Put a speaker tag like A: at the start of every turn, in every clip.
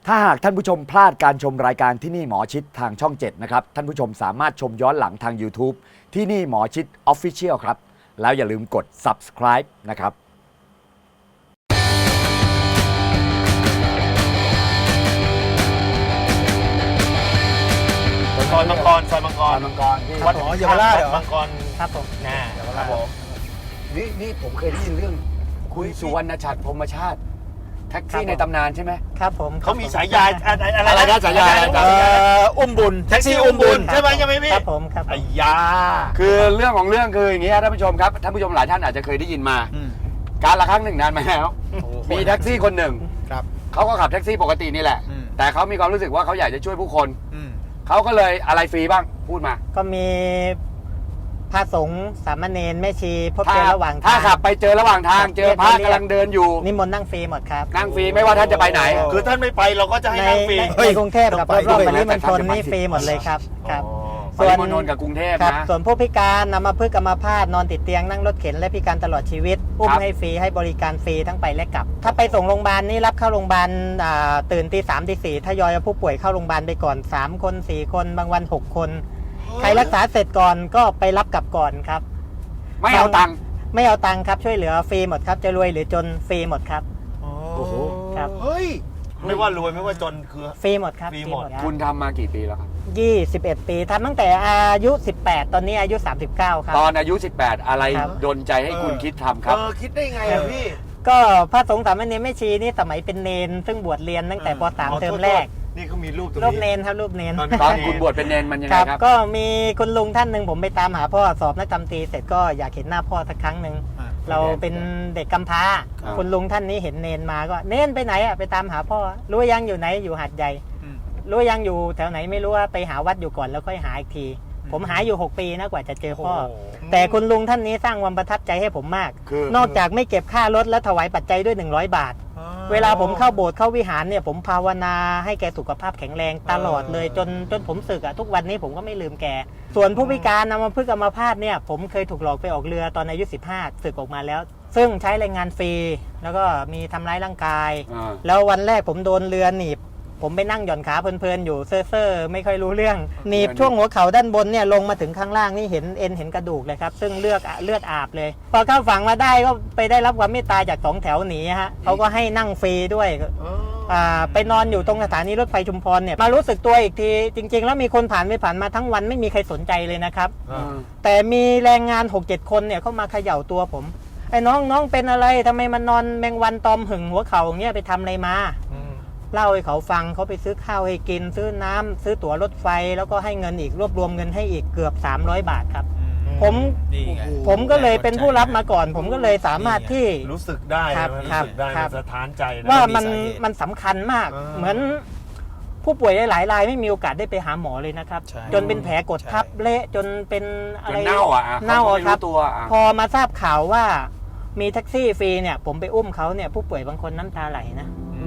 A: ถ้าหากท่านผู้ชมพลาดการชมรายการที่นี่หมอชิดทางช่อง 7 นะครับ ท่านผู้ชมสามารถชมย้อนหลังทาง YouTube ที่นี่หมอชิด Official ครับ แล้วอย่าลืมกด subscribe นะครับ
B: ซอยมังกรที่
A: วัด
C: อ๋อเยาวราชเหรอ
B: มังกร
D: ครับผม
B: ครับผม
A: นี่ผมเคยได้ยินเรื่องคุณสุวรรณชัดพรหมชาติ แท็กซี่ในตำนานใช่ไหม
D: ครับผม
B: เขามีฉายาอะไร
A: อะไรนะฉายาอะไรนะ
C: อุ้มบุญ
B: แท็กซี่อุ้มบุญใช่ไหมพี่
D: ครับผมครับผม
B: ไอ้ยา
A: คือเรื่องของเรื่องคืออย่างนี้ครับท่านผู้ชมครับท่านผู้ชมหลายท่านอาจจะเคยได้ยินมา
C: อืม
A: การละครั้งหนึ่งนานมาแล้วมีแท็กซี่คนหนึ่ง
C: ครับ
A: เขาก็ขับแท็กซี่ปกตินี่แหละ
C: อืม
A: แต่เขามีความรู้สึกว่าเขาอยากจะช่วยผู้คน
C: อืม
A: เขาก็เลยอะไรฟรีบ้างพูดมา
D: ก็มีพระสงฆ์สามเณรแม่ชีพบเจอระหว่าง
A: ถ้า
D: ทาง
A: ขับไปเจอระหว่างทางเจอพระกำลังเดินอยู่
D: นิมนต์นั่งฟรีหมดครับ
A: นั่งฟรีไม่ว่าท่านจะไปไหน
B: คือท่านไม่ไปเราก็จะให้
D: ใน
B: นั่งฟรี
D: ในกรุงเทพกับรอบๆปริมณฑลนี่ฟรีหมดเลยครับครับ
A: ปริมณฑลกับกรุงเทพ
D: ครับ
A: นะ
D: ส่วนผู้พิการนำมาพึกษ์อัมพาตนอนติดเตียงนั่งรถเข็นและพิการตลอดชีวิตอุ้ม
A: ครับ
D: ให้ฟรีให้บริการฟรีทั้งไปและกลับ ถ้าไปส่งโรงพยาบาลนี่รับเข้าโรงพยาบาลตื่นตี 3 ตี 4ทยอยเอาผู้ป่วยเข้าโรงพยาบาลไปก่อน3 คน 4 คนบางวัน 6 คน ใครรักษาเสร็จก่อนก็ไปรับกลับก่อนครับ
A: ไม่เอาตังค์
D: ไม่เอาตังค์ครับช่วยเหลือฟรีหมดครับจะรวยหรือจนฟรีหมดครับ
A: โอ้โห
D: ครับ
C: เฮ้ย
B: ไม่ว่ารวยไม่ว่าจนคือ
D: ฟรีหมดครับ
B: ฟรีหมด
D: ครับ
A: คุณทำมากี่ปีแล้วครับ
D: 21 ปีทำตั้งแต่อายุ 18 ตอนนี้อายุ 39 ครับ
A: ตอนอายุ 18 อะไร
D: ครับ
A: ดลใจให้คุณคิดทำครับ
C: คิดได้ไงอะพี่
D: ก็พระสงฆ์สามเณรแม่ชีนี่สมัยเป็นเนนซึ่งบวชเรียนตั้งแต่ป .3 เทอมแรก
B: นี่เขามีรูปตรง
D: รูปเน
B: นี้
D: นครับรูปเนน
A: ตอนคุณบวชเป็นเนนมันยัง
D: ค
A: ไง
D: รับ
A: ครับ
D: ก็มีคุณลุงท่านหนึ่งผมไปตามหาพ่อสอบนักธรรมตรีเสร็จก็อยากเห็นหน้าพ่อสักครั้งหนึ่ง
C: อ่า
D: เราเป็นเด็กกำพร้า
A: ครับ
D: คุณลุงท่านนี้เห็นเนนมาก็เนนไปไหนอ่ะไปตามหาพ่อรู้ยังอยู่ไหนอยู่หาดใหญ่
C: อืม
D: รู้ยังอยู่แถวไหนไม่รู้ว่าไปหาวัดอยู่ก่อนแล้วค่อยหาอีกที ผมหาอยู่ 6 ปีนะกว่าจะเจอพ่อ แต่คุณลุงท่านนี้สร้างความประทับใจให้ผมมาก
A: คือน
D: อกจากไม่เก็บค่ารถและถวายปัจจัยด้วย100 บาท เวลาผมเข้าโบสถ์เข้าวิหารเนี่ยผมภาวนาให้แกสุขภาพแข็งแรงตลอดเลยจนผมสึกอะทุกวันนี้ผมก็ไม่ลืมแก ส่วนผู้พิการนำมาพึกษ์อัมพาตเนี่ยผมเคยถูกหลอกไปออกเรือตอนอายุ 15สึกออกมาแล้ว ซึ่งใช้แรงงานฟรีแล้วก็มีทำร้ายร่างกาย
A: อ่า
D: แล้ววันแรกผมโดนเรือหนีบผมไปนั่งหย่อนขาเพลินๆอยู่เซ่อๆไม่ค่อยรู้เรื่องหนีบช่วงหัวเข่าด้านบนเนี่ยลงมาถึงข้างล่างนี่เห็นเอ็นเห็นกระดูกเลยครับซึ่งเลือดอาบเลย พอเข้าฝั่งมาได้ก็ไปได้รับความเมตตาจาก2 แถวหนีฮะเขาก็ให้นั่งฟรีด้วยไปนอนอยู่ตรงสถานีรถไฟชุมพรเนี่ยมารู้สึกตัวอีกทีจริง ๆ แล้วมีคนผ่านไปผ่านมาทั้งวันไม่มีใครสนใจเลยนะครับ แต่มีแรงงาน 6-7 คนเนี่ยเข้ามาเขย่าตัวผมไอ้น้องเป็นอะไรทำไมมันนอนแมงวันตอมหึงหัวเข่าอย่างเงี้ยไปทำอะไรมาเล่าให้เขาฟังเขาไปซื้อข้าวให้กินซื้อน้ำซื้อตั๋วรถไฟแล้วก็ให้เงินอีกรวบรวมเงินให้อีกเกือบ300 บาทครับ ผม
C: นี่ไง
D: ผมก็เลยเป็นผู้รับมาก่อน ผมก็เลยสามารถที่
B: รู้สึกได้
D: ครับ
B: รู้
D: ครับ
B: สึกได้
D: ครับ
B: มันสะท้านใจนะ
D: ว่า
C: มี
D: มัน
C: สาเหตุ
D: มันสำคัญมาก
B: อ่า
D: เหมือนผู้ป่วยหลายๆรายไม่มีโอกาสได้ไปหาหมอเลยนะครับ
C: ใช่
D: จนเป็นแผลกดทับเละจนเป็นอะไร
A: จนเน่าอ่ะ
D: เน่า
A: เขา
D: อะ
A: ไม่
D: ครับ
A: รู้ตัวอ่ะ
D: พอมาทราบข่าวว่ามีแท็กซี่ฟรีเนี่ย ผมไปอุ้มเขาเนี่ยผู้ป่วยบางคนน้ำตาไหลนะ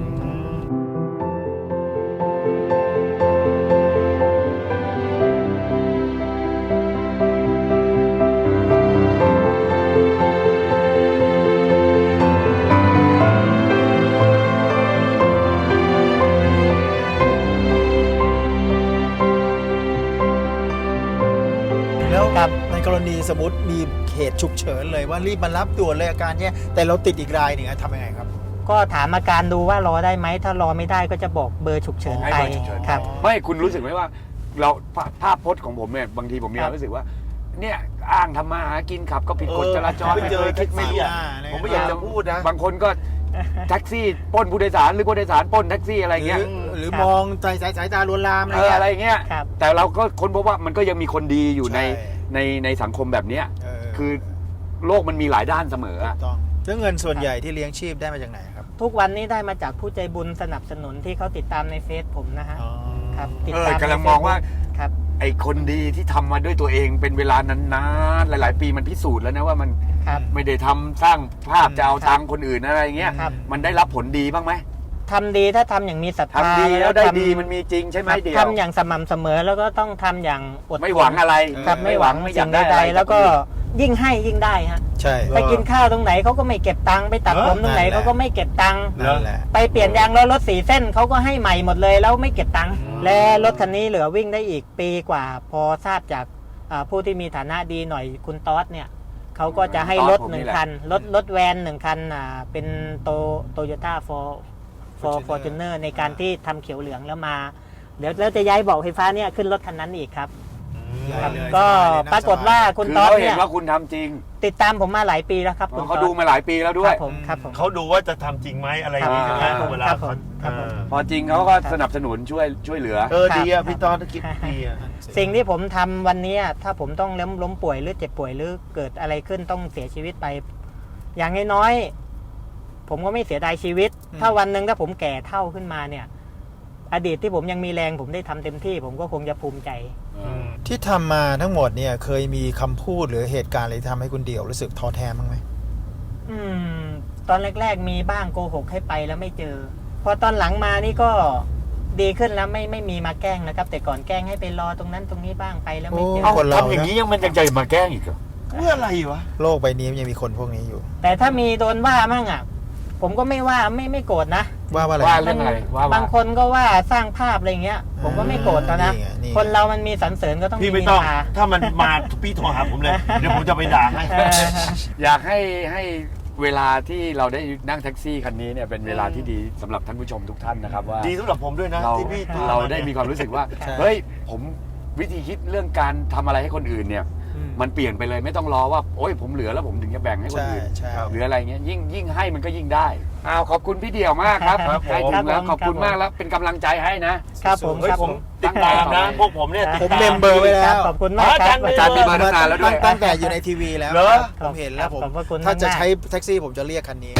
C: แล้ว
D: ครับ
C: ในกรณีสมมติมีเหตุฉุกเฉินเลยว่ารีบมารับด่วนเลยอาการเนี่ยแต่เราติดอีกรายหนึ่งทำยังไงครับ
D: ก็ถามอาการดูว่ารอได้ไหมถ้ารอไม่ได้ก็จะบอกเบอร์ฉุกเฉิน
A: ให้
D: ไป
A: เบอร์ฉุกเฉิน
D: ครับ
A: ไม่คุณรู้สึกไหมว่า เราภาพพจน์ของผมเนี่ยบางทีผมมีความรู้สึกว่า เนี่ยอ้างทำมาหากินขับก็ผิดกฎจราจร
B: ไปเจอ
A: ไม่
B: แท็ก
A: ไม่
B: ซี่อ่ะ
C: ไม่
B: ผมไม่อยากจะพูดนะ
A: บางคนก็แท็กซี่ปล้นผู้โดยสารหรือผู้โดยสารปล้นแท็กซี่อะไรเงี้ย
C: หรือ
D: ครับ
C: มองสายตาลวนลามอะไร
A: อะไร
C: เงี้ย
A: เงี้ย
D: ครับ
A: แต่เราก็ค้นพบว่ามันก็ยังมีคนดีอยู่ใน
C: ใช่
A: ในสังคมแบบเนี้ย
C: เออ
A: คือโลกมันมีหลายด้านเสมอ
C: ถู
A: อะ
C: กต้องแล้วเงินส่วนใหญ่ที่เลี้ยงชีพได้มาจากไหนครับ
D: ทุกวันนี้ได้มาจากผู้ใจบุญสนับสนุนที่เขาติดตามในเฟซผมนะฮะครับติดตาม
A: กำลังมองว่า
D: ครับ
A: ไอ้คนดีที่ทำมาด้วยตัวเองเป็นเวลานานๆหลายๆ ปีมันพิสูจน์แล้วนะว่ามัน
D: ครับ
A: ไม่ได้ทำสร้างภาพจะเอาตังค์คนอื่นอะไรเงี้ย
D: ครับ
A: มันได้รับผลดีบ้างไหม
D: ทำดีถ้าทำอย่างมีศรัทธา
A: ทำดีแล้วได้
D: ทำ
A: ดีมันมีจริงใช่ไหม
D: ครับ
A: เดียว
D: ทำอย่างสม่ำเสมอแล้วก็ต้องทำอย่างอดทน
A: ไม่หวังอะไร
D: ครับไม่หวัง
A: ไม่อ
D: สิ่
A: ยาก
D: ง
A: ได้
D: ใด
A: อะไร
D: ๆแล้วก็ยิ่งให้ยิ่งได้ฮะ
C: ใช่
D: ไปกินข้าวตรงไหนเขาก็ไม่เก็บตังค์ไปตัดผมตรงไหน
C: นั่นแหละ
D: เขาก็ไม่เก็บตังค์
C: นั่นแหละ
D: ไปเปลี่ยนยางล้อรถ4 เส้นเขาก็ให้ใหม่หมดเลยแล้วไม่เก็บตังค์และรถคันนี้เหลือวิ่งได้อีกปีกว่า พอทราบจากผู้ที่มีฐานะดีหน่อยคุณต๊อดเนี่ยเขาก็จะให้รถ
A: ผมนี่แหละ
D: 1 คันรถแวน1 คันเป็นโตโยต้าฟอร์จูเนอร์ในการที่ทำเขียวเหลืองแล้วมาเดี๋ยวเราจะย้ายเบาะไฟฟ้าเนี่ยขึ้นรถคันนั้นอีกครับ ครับ
C: เลย
D: ก็
C: สบายเลยนะ
D: ปรากฏว่าคุณ
A: คือ
D: ต๊อด
A: เขาเห็
D: เนี่
A: น
D: ย
A: ว่าคุณทำจริง
D: ติดตามผมมาหลายปีแล้วครับคุณ
A: เขา
D: ต๊อ
A: ดูมาหลายปีแล้วด้
D: คว รั
A: ย
D: บผมครับผม
B: เขาดูว่าจะทำจริงไหมอะไรอย่างนี้ใช่ไหม
A: ครับ
B: เวลา
D: ครับผ
B: เขา
D: มครับผม
A: พอจริงเขาก็สนับสนุนช่วยเหลือ
B: ดีอะพี่ตอนคิดดีอะ
D: สิ่งที่ผมทำวันนี้ถ้าผมต้องล้มป่วยหรือเจ็บป่วยหรือเกิดอะไรขึ้นต้องเสียชีวิตไป อย่างน้อยๆผมก็ไม่เสียดายชีวิต ถ้าวันหนึ่งถ้าผมแก่เท่าขึ้นมาเนี่ย อดีตที่ผมยังมีแรงผมได้ทำเต็มที่ ผมก็คงจะภูมิใจ
C: ที่ทำมาทั้งหมดเนี่ยเคยมีคำพูดหรือเหตุการณ์อะไรที่ทำให้คุณเดี่ยวรู้สึกท้อแท้บ้างไหม
D: ตอนแรกๆมีบ้างโกหกให้ไปแล้วไม่เจอ พอตอนหลังมานี่ก็ดีขึ้นแล้วไม่มีมาแกล้งนะครับ แต่ก่อนแกล้งให้ไปรอตรงนั้นตรงนี้บ้างไปแล้วไม่เจอ
C: โอ้ คนเรา
A: ทำอย่างนี้ยังมันยังใจมาแกล้งอีกเหรอ
B: เพื่ออะไรวะ
C: โลกใบนี้มันยังมีคนพวกนี้อยู่
D: แต่ถ้ามีโดนว่ามั่งอ่ะ ผมก็ไม่ว่าไม่โกรธนะ
C: ว่าอะไร
A: ว่าเรื่องอะไรว่า
D: บางคนก็ว่าสร้างภาพอะไรเงี้ย ผมก็ไม่โกรธนะ
C: นี่ไงนี่ไง
D: คนเรามันมีสรรเสริญก็ต้อง
B: พี่
D: มี
B: ไม่
D: นิ
B: ต้อง
D: นทา
B: ถ้ามันมาพี่โทรหาผมเลย เดี๋ยวผมจะไปด่าให้
D: เออ
A: อยากให้เวลาที่เราได้นั่งแท็กซี่คันนี้เนี่ยเป็นเวลาที่ดีสำหรับท่านผู้ชมทุกท่านนะครับว่า
B: ดีสำหรับผมด้วยนะ
A: เรา
B: ที่พี่พ
A: เราได้มีความรู้สึกว่า
C: ใช่
A: เฮ้ยผมวิธีคิดเรื่องการทำอะไรให้คนอื่นเนี่ย มันเปลี่ยนไปเลยไม่ต้องรอว่าโอ้ยผมเหลือแล้วผมถึงจะแบ่งให้คน
C: ใช่
A: อื่น
C: ใช่
A: หรืออะไรเงี้ยยิ่งให้มันก็ยิ่งได้ขอบคุณพี่เดี่ยวมากครับ
B: ครับผม
A: ใกล้ถึงแล้ว
D: ครับผม
A: ขอบคุณมากแล้วเป็นกำลังใจให้นะ
D: ครับผม
B: เฮ้ย
D: ครับ
B: ผ
D: ผม ม
B: ติดตามนะ พวกผมเนี่ยติด
C: ผม
B: ตาม
C: เมมเบอร์ไว้แล้ว
D: ขอบคุณมากครับ
B: อาจารย์มีเบอร์
A: ตั้งนานแล้วด้วย
C: ตั้งแต่อยู่ในทีวีแล้ว
B: เหรอ
C: ผมเห็นแล้วผม
D: ขอบพระคุณ
C: ถ้าจะ
D: มากๆ
C: ใช้แท็กซี่ผมจะเรียกคันนี้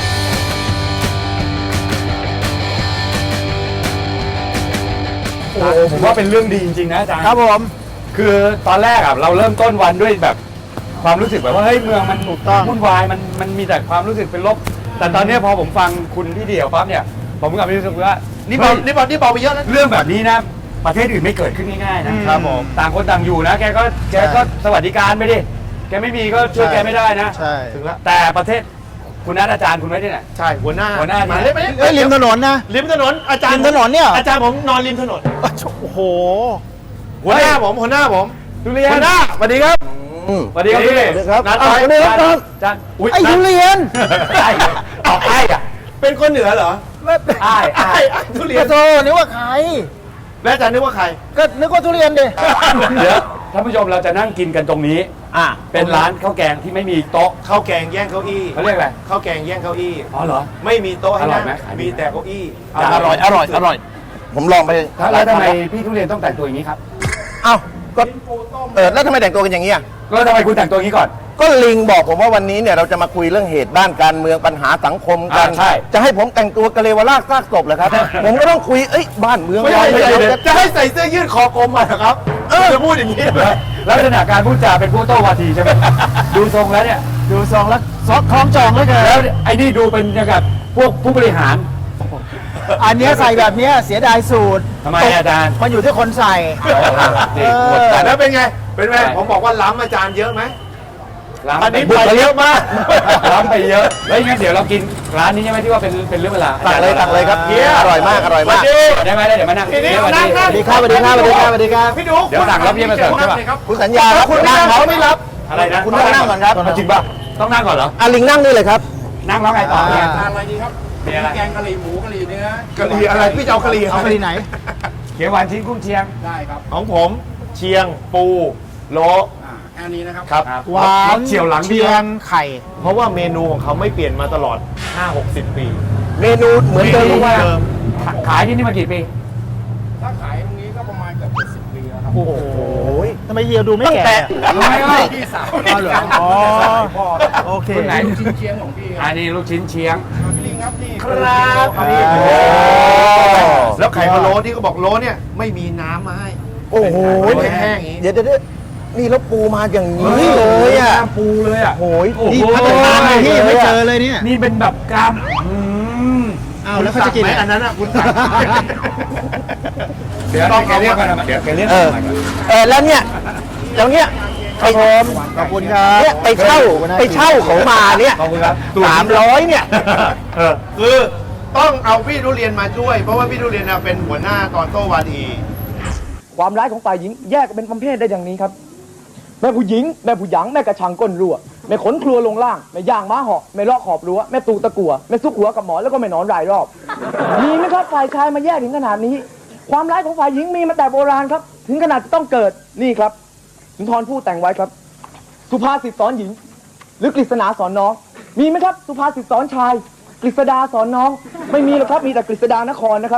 A: โอ้ผมว่าเป็นเรื่องดีจริงๆนะอาจารย์
C: ครับผม
A: คือตอนแรกเราเริ่มต้นวันด้วยแบบความรู้สึกแบบว่าเฮ้ยเมืองมัน
C: ถูกต้อง
A: วุ่นวายมันมีแต่ความรู้สึกเป็นลบ แต่ตอนนี้พอผมฟังคุณพี่เดี่ยวปั๊บเนี่ยผมกลับรู้สึกว่า
B: นี่เบานี่เบานี่เบาไปเยอะนะ
A: เรื่องแบบนี้นะประเทศอื่นไม่เกิดขึ้นง่ายๆนะครับ
C: ผม
A: ต่างคนต่างอยู่นะแกก็สวัสดิการไปดิแกไม่มีก็ช่วยแกไม่ได้นะ
C: ใช่
B: ถึงแล้ว
A: แต่ประเทศคุณนัทอาจารย์คุณไว้ที่ไหน
B: ใช่หัวหน้า
A: หัวหน้า
B: มาเลยไหม
C: เฮ้ยริมถนนนะ
B: ริมถนนอาจารย์
C: ริมถนนเนี่ย
B: อาจารย์ผมนอนริมถนน
C: โอ้โห
B: หัวหน้าผมหัวหน้าผม
A: ทุเรียน
B: หัวหน้าสวัสดีครับ
A: สวัสดีครับพี่
B: สวัสดีครับ
A: นัด
C: อ้าว
A: ไป
C: สวัสดีครับ
A: อาจารย์อุ๊ย
C: ไอ้ทุเรียน
A: ใช่ออกไอ้อะ
B: เป็นคนเหนือเหรอ
A: ไอ้
B: ไอ้ทุเรียน
C: โธ่นึกว่าใคร
B: แล้วอาจารย์นึกว่าใคร
C: ก็นึกว่าทุเรียนดิ
A: เดี๋ยวท่านผู้ชมเราจะนั่งกินกันตรงนี้ เป็นร้านข้าวแกงที่ไม่มีโต๊ะ
B: ข้าวแกงแย่งเก้าอี้
A: เขาเรียกอะไร
B: ข้าวแกงแย่งเก้าอี้
A: อ๋อเหรอ
B: ไม่มีโต๊ะให้
A: อร่อ
B: นั่
A: ย
B: ง
A: ไหมขายดี
B: มีแต่เก้าอี้
A: อร่อยอร่อยอร่อย
E: ผมลองไป
A: แล้วทำไมพี่ทุเรียนต้องแต่งตัวอย่างนี้ครับ
E: เอ้าก็แล้วทำไมแต่งตัวกันอย่างนี้อ่ะ
A: แล้วทำไมคุณแต่งตัวอย่างนี้ก่อน
E: ก็ลิงบอกผมว่าวันนี้เนี่ยเราจะมาคุยเรื่องเหตุบ้านการเมืองปัญหาสังคมกัน
A: ใช่
E: จะให้ผมแต่งตัวกะเลวราชซากศพเหรอครับ ผมก็ต้องคุยบ้านเมือง
B: ไม่ใช่
E: เรา
B: ไม่ใช่
E: จะ
B: จะให้ใส่เสื้อยืดคอกลมมาเหรอครับจะพูดอย่างนี้เลย
A: ลักษณะการพูดจาเป็นผู้โต้วาทีใช่ไหม ดูทรงแล้วเนี่ย
C: ดูซองแล้วซอกคล้องจองแล้วเกิน
A: แล้วไอ้นี่ดูเป็นอย่างกับพวกผู้บริหาร
C: อันเนี้ยใส่แบบเนี้ยเสียดายสูตร
A: ทำไมอาจารย์
C: มันอยู่ที่คนใส่
A: นี่หมด
B: แต่
A: กัน
B: แล้วเป็นไง เป็นไง
A: ใช่
B: ผมบอกว่าล้ำอาจารย์เยอะไหม
A: ล้ำ
B: อันนี้
A: บุก
B: ไปเยอะมาก
A: ล้ำไปเยอะแล้วงั้นเดี๋ยวเรากินร้านนี้ใช่ไหมที่ว่าเป็นเรื่องเวลา
E: ตักเลยตักเลยครับ
B: เฮีย
E: อร่อยมากอร่อยมาก
B: สวัสดี
A: ได้ไหมได้เดี๋ยวมานั่ง
B: ทีนี้
A: เดี๋ยวมา
B: นั่ง
A: นั่ง
B: นั่ง
C: สวัสดีครับสวัสดีครับสวัสดีครับสวัสดีครับ
B: พี่ดู
A: เดี๋ยวสั่งแล้วพี่มาเสิร์ฟใช่ปะ
E: คุณสัญญาครับ
B: คุณ
E: นั่ง
B: นั่ง
E: เขา
B: เขาไม่รับ
A: อะไรนะ
E: คุณนั่งก่อนครับ
A: จริงป่ะต้องนั่งก่อนเหรอ
E: ลิงนั่งนี่เลยครับ
A: นั่งแล้วไงต่อเนี่ย
C: อะไรดีครับ
A: มีอะไร
C: แกงกะหรี่หมูกะหรี่เนื้อก
B: ะหรี่อะไรพี่จะเอากะหรี่
C: เอากะหรี่ไหน
A: เขียวหวานชิ้นกุ้งเชียง
C: ได้ครับ
B: ของผมเชียงปูโล
C: อันนี้นะครับ
B: ครับ
C: หวาน
A: เฉียวหลัง
C: เชียงไข่
B: เพราะว่าเมนูของเขาไม่เปลี่ยนมาตลอด 5-60 ปี
E: เมนูเหมือนเดิม
B: เมนู
E: ว่า
B: เดิม
A: ขายที่นี่มากี่ปี
C: ถ้าขายตรงนี้ก็ประมาณเกือบ70 ปีแล้วครับ
B: โอ้โห
C: ทำไมเฮียดูไม่แก่
A: ทำไมอ่ะ
C: พี่สาวเหรออ๋อโอเค
A: คนไหน
C: ชิ้นเชียงของพี่
A: อันนี้ลูกชิ้นเชียง
C: พี่ลิงครับนี่
B: ครับ
C: อัน
B: นี่
C: นี้
B: โอ้แล้วไข่พะโล้ที่เขาบอกโล้เนี่ยไม่มีน้ำมาให้
E: โอ้โห
B: เป็นแห้งๆอย่างนี้
E: เดี๋ยวนี่แล้วปูมาอย่างนี้เลยอ่ะ
A: ปูเลยอ่ะ
E: โอ้ย
C: นี่พัฒนามาที่ไม่เจอเลยเนี่ย
A: นี่เป็นแบบกราม
C: อ้าวแล้วเขาจะกิน
B: ไหม
C: อะไร
B: อันนั้นอ่ะคุณสั่ง
A: เดี๋ยวแกเรียกกันนะเดี๋ยวแกเรียก
E: เอ
A: กัน
E: อแล้วเนี่ยอย่างเงี้ย
C: ครับผมขอบคุณครับ
E: เนี่ยไปเช่าเขามาเนี่ย
B: ขอบคุณครับ
E: 300เนี่ย
B: คือต้องเอาพี่ทุเรียนมาช่วย เพราะว่าพี่ทุเรียนน่ะเป็นหัวหน้าตอนโต้วาที
F: ความร้ายของฝ่ายหญิงแยกเป็นประเภทได้อย่างนี้ครับ แม่ผู้หญิงแม่ผู้หยังแม่กระชังก้นรั่วแม่ขนครัวลงล่างแม่ย่างม้าเหาะแม่เลาะขอบรั้วแม่ตูตะกัวแม่ซุกหัวกับหมอนแล้วก็แม่นอนรายรอบมีไหมครับฝ่ายชายมาแยกถึงขนาดนี้ ความร้ายของฝ่ายหญิงมีมาแต่โบราณครับ ถึงขนาดจะต้องเกิดนี่ครับสุนทรภู่แต่งไว้ครับ สุภาษิตสอนหญิง หรือกฤษณาสอนน้อง มีไหมครับสุภาษิตสอนชาย กฤษดาสอนน้อง ไม่มีหรอกครับมีแต่กฤษดานครนะครับ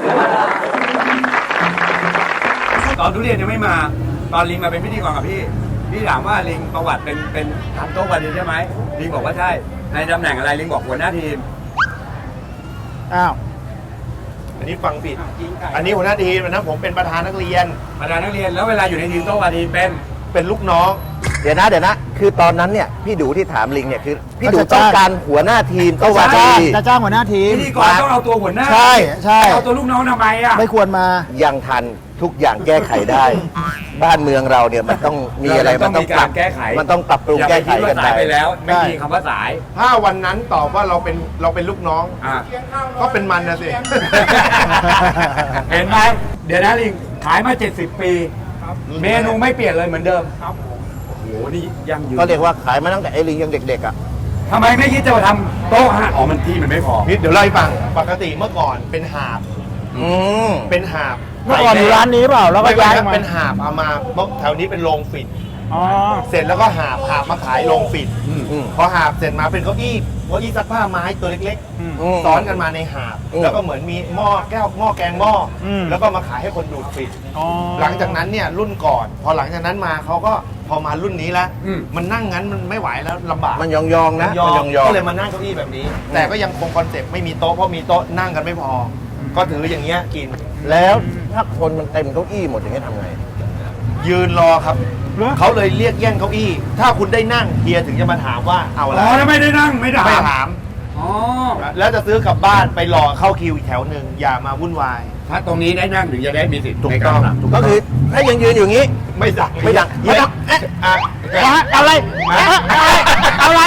A: ตอนทุเรียนยังไม่มา ตอนลิงมาเป็นพิธีกรกับพี่ พี่ถามว่าลิงประวัติเป็นทำโต๊ะวันนี้ใช่ไหมลิงบอกว่าใช่ ในตำแหน่งอะไรลิงบอกหัวหน้าทีม
C: อ้าว
B: อันนี้ฟังผิด อันนี้หัวหน้าทีมนะผมเป็นประธานนักเรียน
A: ประธานนักเรียนแล้วเวลาอยู่ในทีมโต๊ะวันนี้เป็น
B: ลูกน้อง
E: เดี๋ยวนะ คือตอนนั้นเนี่ยพี่ดูที่ถามลิงเนี่ยคือพี่ดู
C: ก็จะ
E: ต้อง
C: จ้าง
E: การหัวหน้าทีมก็ว่า
C: จะ
E: ดี
C: จ้างหัวหน้าทีม
A: พิธีกรต้องเอาตัวหัวหน้า
C: ใช่ใช่
A: เอาตัวลูกน้องทำไมอ่ะ
C: ไม่ควรมา
E: ยังทันทุกอย่างแก้ไขได้ บ้านเมืองเราเนี่ยมันต้องมีอะไร
A: เราต้องมีการแก้ไข
E: มันต้องปรับปรุง
A: อย่า
E: แก้
A: ไป
E: ไข
A: คิดว่า
E: กัน
A: สาย
E: ไป
A: ไปแล้ว ไม่
C: ได้
A: มีคำว่าสาย
B: ถ้าวันนั้นตอบว่าเราเป็นลูกน้อง
A: อ่ะ
B: ก็เป็นมันนะสิ
A: เห็นไหมเดี๋ยวนะลิงขายมา 70 ปี เมนูไม่เปลี่ยนเลยเหมือนเดิมครับโอ้โหนี่ยังยืน
E: ก็เรียกว่าขายมาตั้งแต่ไอ้ลิงยังเด็กๆอ่ะ
A: ทำไมไม่คิดจะมาทำโต๊ะฮะอ๋อมันที่มันไม่พอ
B: นิดเดี๋ยวเล่าให้ฟัง ปกติเมื่อก่อนเป็นหาบ
E: อืม
B: เป็นหาบ
C: เมื่อก่อนอยู่ร้านนี้เปล่าแล้วก็
B: ไม่
C: ย้าย
B: ใช่
C: มา
B: เป็นหาบเอามาเมื่อแถวนี้เป็นโรงฝิ่น
C: อ๋อ
B: เสร็จแล้วก็หาบมาขายโรงฝิ่น
E: อืม
B: พอหาบเสร็จมาเป็นเก้าอี้ซักผ้าไม้ตัวเล็ก
E: อืม
B: ๆ ซ้อนกันมาในหาบ
E: อืม
B: แล้วก็เหมือนมีหม้อแก้วหม้อแกงหม้ออ
C: ม
B: แล้วก็มาขายให้คนดูดฝิ่น
C: อ๋อ
B: หลังจากนั้นเนี่ยรุ่นก่อน พอหลังจากนั้นมาเขาก็พอมารุ่นนี้แล้ว
A: อืม
B: มันนั่งงั้นมันไม่ไหวแล้วลำบาก
E: มันยองๆนะ
B: ยอ
E: มันยอง
B: ก็เลยมานั่งเก้าอี้แบบนี้ แต่ก็ยังคงคอนเซ็ปต์ไม่มีโต๊ะเพราะมีโต๊ะนั่งกันไม่พออก็ถืออย่างเงี้ยกิน
E: ๆแล้วถ้าคนมันเต็มเก้าอี้หมดอย่างนี้ทำไง
B: ยืนรอครับ เขาเลยเรียกแย่งเก้าอี้ ถ้าคุณได้นั่งเฮียถึงจะมาถามว่าเอาอะไร
A: อ๋อแล้วไม่ได้นั่งไม่ได้
B: ไม่ถาม
A: อ๋อ
B: แล้วจะซื้อกลับบ้านไปรอเข้าคิวอีกแถวหนึ่งอย่ามาวุ่นวาย
A: ถ้าตรงนี้ได้นั่งถึงจะได้มีสิทธิ์
B: ถูก
A: ใน
B: ต้
A: กา
B: อ
A: รง สั่ง
E: ก็คือถ้ายังยืนอยู่อย่างนี้
B: ไม่สั่ง
E: ไม่สั่ง
B: ไม่สั่งเอ๊ะอ่ะ
C: อะไรอะไร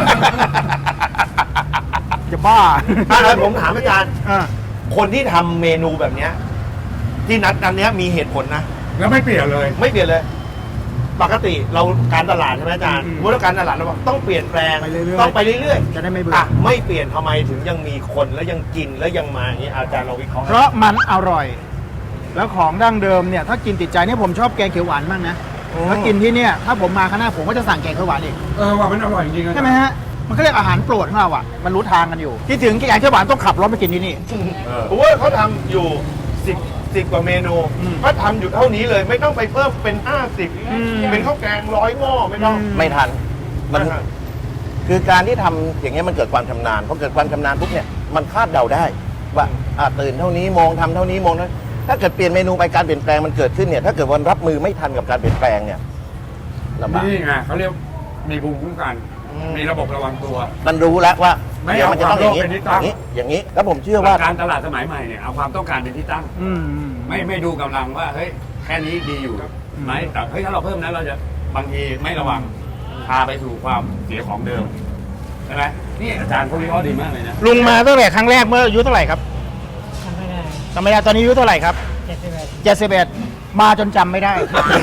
C: จะบ้า
B: อะไรผมถามอาจารย์
C: อ่ะ
B: คนที่ทำเมนูแบบเนี้ยที่นัดอันเนี้ยมีเหตุผลนะ
A: แล้วไม่เปลี่ยนเลย
B: ไม่เปลี่ยนเลย ปกติเราการตลาดใช่ไหมอาจารย์ว่าการตลาดเราบอกต้องเปลี่ยนแปลง
C: ไปเรื่อยๆ
B: ต้องไปเรื่อยๆ
C: จะได้ไม่เบื่อ
B: อ่ะไม่เปลี่ยนทำไมถึงยังมีคนแล้วยังกินแล้วยังมาอย่างนี้อาจารย์เราวิเคราะห์
C: เพราะมันอร่อย แล้วของดั้งเดิมเนี่ยถ้ากินติดใจเนี่ยผมชอบแกงเขียวหวานมากนะถ้ากินที่เนี่ยถ้าผมมาข้างหน้าผมก็จะสั่งแกงเขียวหวานอีก
A: ว่ามันอร่อยจริงๆนะ
C: ใช่ไหมฮะมันก็เรียกอาหารโปรดของเราอ่ะมันรู้ทางกันอยู่ที่ถึงแกงเขียวหวานต้องขับรถไปกินที่นี่
B: โอ้ยเขาทำอยู่10กว่าเมนูเขาทำอยู่เท่านี้เลยไม่ต้องไปเพิ่มเป็น50เป็นข้าวแกง100หม้อไม่ต้อง
E: ไม่ทันมัน
B: ไม่ทัน
E: คือการที่ทำอย่างเงี้ยมันเกิดความชำนาญพอเกิดความชำนาญปุ๊บเนี่ยมันคาดเดาได้ว่าตื่นเท่านี้โมงทำเท่านี้โมงนั้นถ้าเกิดเปลี่ยนเมนูไปการเปลี่ยนแปลงมันเกิดขึ้นเนี่ยถ้าเกิดวันรับมือไม่ทันกับการเปลี่ยนแปลงเนี่ยลำบาก
A: นี่ไงเขาเรียกมีภูมิคุ้มกัน มีระบบระวังตัว
E: มันรู้แล้วว่า
A: ไม่
E: เดี๋ยวมันจะต้องอย่างนี้
A: เอาความโลภเป็นที่ตั้ง
E: อย่างนี้แล้วผมเชื่อว่า
A: การตลาดสมัยใหม่เนี่ยเอาความต้องการเป็นที่ตั้ง ไม่ดูกำลังว่าเฮ้ยแค่นี้ดีอยู่ไหมแต่เฮ้ยถ้าเราเพิ่มนั้นเราจะบางทีไม่ระวังพาไปสู่ความเสียของเดิมใช่ไหมนี่อาจารย์เขาวิเคราะห์ดีมากเลยนะ
C: ลุงมาตั้งแต่ครั้งแรกเมื่ออายุเท่าไหร่ครับจำไม่ได้ตอนนี้อายุเท่าไหร่ครับ71มาจนจำไม่ได้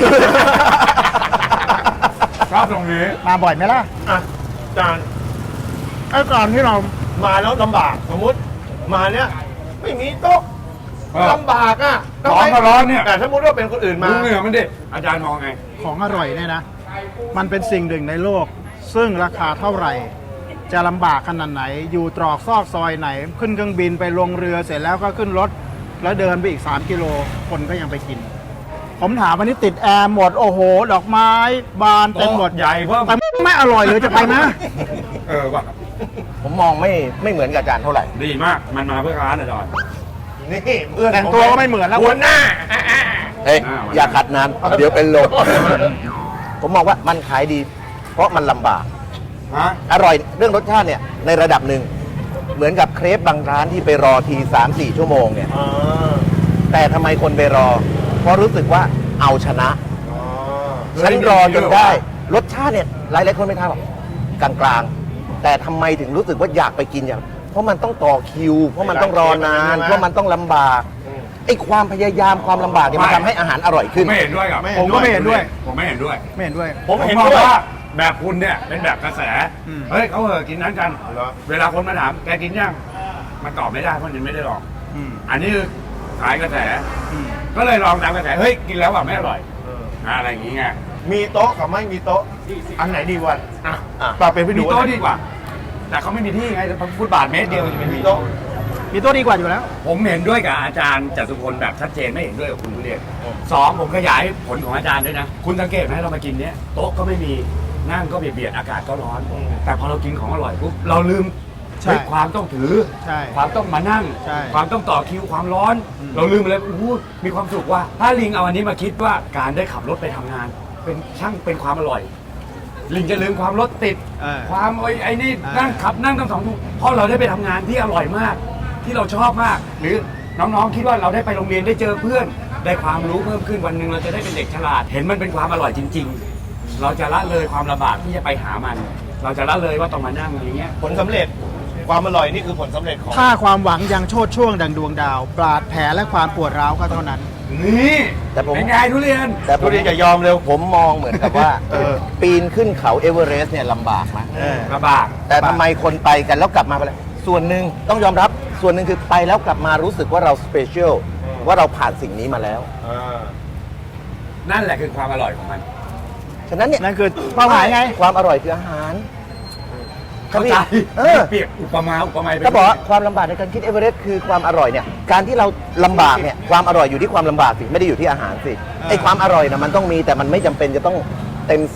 A: ชอบตรงนี้
C: มาบ่อยไหมล่ะ
B: อ่ะอาจารย์
C: ไอ้ก่อนที่เรา
B: มาแล้วลำบากสมมติมาเนี่ยไม่มีโต๊ะลำบากอ่ะ
A: ร้อนก็ร้อนเนี่ย
B: แต่สมมติว่าเป็นคนอื่นมา
A: ดูเหงื่อมันดิอาจารย์มองไง
C: ของอร่อยเนี่ยนะ มันเป็นสิ่งหนึ่งในโลก ซึ่งราคาเท่าไหร่ จะลำบากขนาดไหน อยู่ตรอกซอกซอยไหน ขึ้นเครื่องบินไปลงเรือเสร็จแล้วก็ขึ้นรถ แล้วเดินไปอีก3กิโลคนก็ยังไปกิน ผมถามวันนี้ติดแอร์หมดโอ้โห ดอกไม้บานเต็มหมด
A: ใหญ่เพิ่ม
C: แต่ไม่อร่อยเลยจะไปนะ
A: ว่ะ
E: ผมมองไม่เหมือนกับอาจารย์เท่าไหร่
A: ดีมากมันมาเพื่อร้านอาจารย์
B: นี่เพื่อน
C: แต่งตัวก็ไม่เหมือนแล้ว
B: หัวหน้า
E: เฮ้ยอย่าขัดนานเดี๋ยวเป็นลมผมมองว่ามันขายดี เพราะมันลำบาก
A: ฮะ
E: อร่อยเรื่องรสชาติเนี่ยในระดับหนึ่งเหมือนกับเครปบางร้านที่ไปรอที 3-4 ชั่วโมงเนี่ยแต่ทำไมคนไปรอ เพราะรู้สึกว่าเอาชนะฉันรอจนได้ รสชาติเนี่ยหลายๆคนไม่ทราบหรอกกลางๆ แต่ทำไมถึงรู้สึกว่าอยากไปกินอย่างเพราะมันต้องต่อคิว เพราะมันต้องรอนาน เพราะมันต้องลำบากไอ้ความพยายามความลำบากเนี่ยมันทำให้อาหารอร่อย
A: ผ
E: ขึ้
A: ม
E: น
A: ไม่เห็นด้วยกับ
C: ผมก็ไม่เห็นด้วย
A: ผมไม่เห็นด้วย
C: ไม่เห็นด้วย
B: ผมเห็น
A: มอง
B: ด้วย
A: ว่าแบบคุณเนี่ยเป็นแบบกระแส
C: อืม
A: เฮ้ยเขากินนั้นกัน
B: เหรอ
A: เวลาคนมาถามแกกินยังมันตอบไม่ได้เพราะมันไม่ได้ลอง
C: อืม
A: อันนี้คือขายกระแส
C: อืม
A: ก็เลยลองตามกระแสเฮ้ยกินแล้วว่าไม่อร่อยอะไรอย่างงี้ไง
B: มีโต๊ะกับไม่มีโต๊ะ อันไหนดีวันอ่ะ
E: อ่ะ
B: ปาเป็นไป
A: มี
B: ดู
A: โต๊ะดีกว่า แต่เขาไม่มีที่ไงฟุตบาทเมตรเดียวจะไม่มีโต๊ะ
C: มีตัวดีกว่าอยู่แล้ว
A: ผมเห็นด้วยกับอาจารย์จตุพลแบบชัดเจนไม่เห็นด้วยกับคุณทุเรียนสองผมขยายผลของอาจารย์ด้วยนะ คุณสังเกตไหมเรามากินเนี้ยโต๊ะก็ไม่มีนั่งก็เบียดอากาศก็ร้อน แต่พอเรากินของอร่อยปุ๊บเราลืม
C: ใช่
A: เฮ้ยความต้องถือ
C: ใช่
A: ความต้องมานั่ง
C: ใช่
A: ความต้องต่อคิวความร้อน เราลืมไปเลยมีความสุขว่า ถ้าลิงเอาอันนี้มาคิดว่าการได้ขับรถไปทำงาน เป็นช่างเป็นความอร่อย ลิงจะลืมความรถติด ความไอ้นี่นั่งขับนั่งตั้ง2 ชั่วโมงเพราะเราได้ไปทำงานที่อร่อยมาก ที่เราชอบมาก หรือน้องๆคิดว่าเราได้ไปโรงเรียนได้เจอเพื่อน ได้ความรู้เพิ่มขึ้นวันหนึ่งเราจะได้เป็นเด็กฉลาด เห็นมันเป็นความอร่อยจริง ๆ เราจะละเลยความลำบากที่จะไปหามัน เราจะละเลยว่าต้องมานั่งอย่างเงี้ย
B: ผลสำเร็จ ความอร่อยนี่คือผลสำเร็จของ
C: ถ้าความหวังยังโชดช่วงดังดวงดาว บาดแผลและความปวดร้าวก็เท่านั้น
A: นี่
E: แต่ผม
A: เป็นไงทุเรียน
E: แต่
B: ทุเรียนอย่ายอมเร็ว
E: ผมมองเหมือนกับว่าปีนขึ้นเขาเอเวอเรสต์เนี่ยลำบากนะ
A: ลำบาก
E: แต่ทำไมคนไปกันแล้วกลับมาเป็นไรส่วนหนึ่งต้องยอมรับส่วนหนึ่งคือไปแล้วกลับมารู้สึกว่าเราสเปเชียลว่าเราผ่านสิ่งนี้มาแล้ว
A: นั่นแหละคือความอร่อยของมัน
E: ฉะนั้นเนี่ย
C: นั่นคือเป้าหมายไง
E: ความอร่อยคืออาหาร
A: เข้าใจ
E: เออ
A: เปรียบอุปมาไป
E: ก็บอกว่าความลำบากในการคิดเอเวอเรสต์คือความอร่อยเนี่ยการที่เราลำบากเนี่ยความอร่อยอยู่ที่ความลำบากสิไม่ได้อยู่ที่อาหารสิไอ้ความอร่อยนะมันต้องมีแต่มันไม่จำเป็นจะต้องเต็ม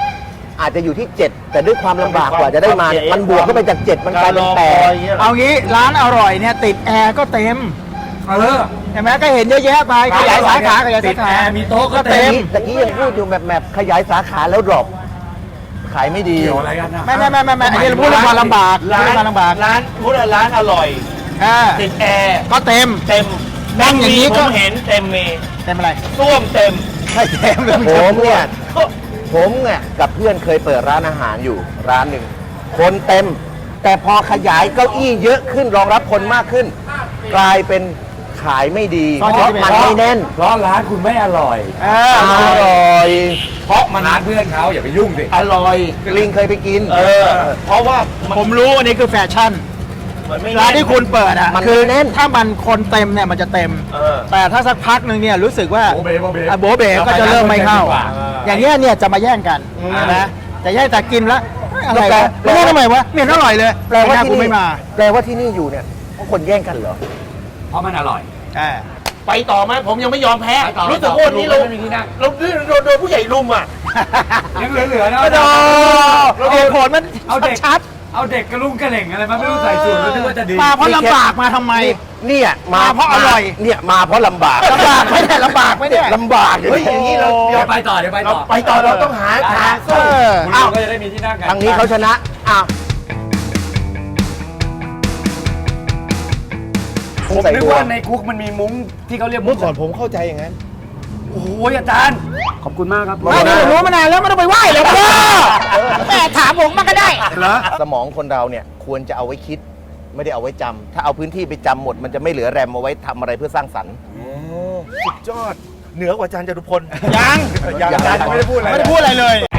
E: 10อาจจะอยู่ที่ 7 แต่ด้วยความลำบากกว่าจะได้มาเนี่ยมันบวกเข้าไปจาก 7 มันกลายเป็น8
C: เอางี้ร้านอร่อยเนี่ยติดแอร์ก็เต็ม เห็นไหมก็เห็นเยอะแยะไปขยายสาขาขยาย
A: ติ
C: สา
A: ด
C: ขา
A: แอร์มีโต๊ะก็
C: เต็
A: เต็ม
C: ม
E: ตะกี้ยังพูดอยู่แบบขยายสาขาแล้วดรอปขายไม่ดี
A: เกี่ยวอะไรกันนะ
C: ไม่อันนี้เราพูดเรื่องความลำบาก
B: ร้า
C: เรื่อง
B: น
C: ความลำบาก
B: ร้านพูดว่าร้านอร่อย ติดแอร์
C: ก็เต็ม
B: เต็ม
C: นั่งอย่างนี้ก็
B: ผมเห็นเต็มเม
C: เต็มอะไร
B: ส้วมเต็ม
C: ไม่เต็มเลย
E: ผมเนี่ยกับเพื่อนเคยเปิดร้านอาหารอยู่ร้านหนึ่งคนเต็ม แต่พอขยายเก้าอี้เยอะขึ้นรองรับคนมากขึ้น กลายเป็นขายไม่ดีเพราะมันไม่แน่น
A: เพราะร้านคุณไม่อร่อย
E: อร่อย
A: เพราะมันร้านเพื่อนเขาอย่าไปยุ่งสิ
E: อร่อยลิงเคยไปกิน
B: เพราะว่ามัน
C: ผมรู้อันนี้คือแฟชั่น
B: มันไม่
C: ร้านที่คุณเปิดอ่ะ
E: มัน
C: คือ
E: แน่น
C: ถ้ามันคนเต็มเนี่ยมันจะเต็ม แต่ถ้าสักพักหนึ่งเนี่ยรู้สึกว่า
A: โบเบ
C: อ่ะโบเบก็จะเริ่มไม่เข้า อย่างเงี้ยเนี่ยจะมาแย่งกันนะจะแย่งแต่กินแล้วอะไรวะไม่ได้ทำไมวะไม่เห็นอร่อยเลย
E: แปลว่าที่
C: กู
E: นี่
C: ไม่มา
E: แปลว่าที่นี่อยู่เนี่ยเพราะคนแย่งกันเหรอ
A: เพราะมันอร่อย
B: ไปต่อไหมผมยังไม่ยอมแพ้
A: ไปต่อ
B: รู้สึกว่าวันนี้เรา
A: ไม่มีที่นั่ง
B: เราโดนผู้ใหญ่ลุมอ่ะ
A: ยังเหลือๆนะ
C: โอ้โหเหตุผลมัน
A: เอาเด็ก
C: ชัด
A: เอาเด็กกระลุงกระเหล่งอะไรมาไม่รู้ใส่สูตรแล้วนึกว่าจะดี
C: มาเพราะลำบากมาทำไม
E: เนี่ยมา
C: เพราะอร่อย
E: เนี่ยมาเพราะลำบาก
C: ลำบากไม่ได้ลำบากไม่ได้
E: ลำบาก
B: เฮ้ยอย่างนี้เรา
A: เดี๋ยวไปต่อเดี๋ยวไปต่อ
B: ไปต่อเราต้องหาทาง
C: เอ
B: สู้
C: อ
A: คุณ
C: อ้า
A: ลุ
C: ว
A: งก็จะได้มีที่นั่งกัน
E: ทางนี้เขาชนะอ้าว
A: ผมนึกว่าในคุกมันมีมุ้งที่เขาเรียกมุ้
B: เมื่
A: ง
B: อก่อนผมเข้าใจอย่างนั้น
A: โอ้โหอาจารย์ ขอบคุณมากครับ
C: ไม่ได้รู้มานานแล้วไม่ต้องไปไหว้เลยพ่อแม่ถามผมมาก็ได้
A: เหรอ
E: สมองคนเราเนี่ยควรจะเอาไว้คิด ไม่ได้เอาไว้จำถ้าเอาพื้นที่ไปจำหมด มันจะไม่เหลือแรมเอาไว้ทำอะไรเพื่อสร้างสรรค์
B: สุดยอด เหนือกว่าอาจารย์จตุพล
C: ยัง
B: ยังอาจารย์ยังไม่ได้พูดอะไร
C: ไม่ได้พูดอะไรเลย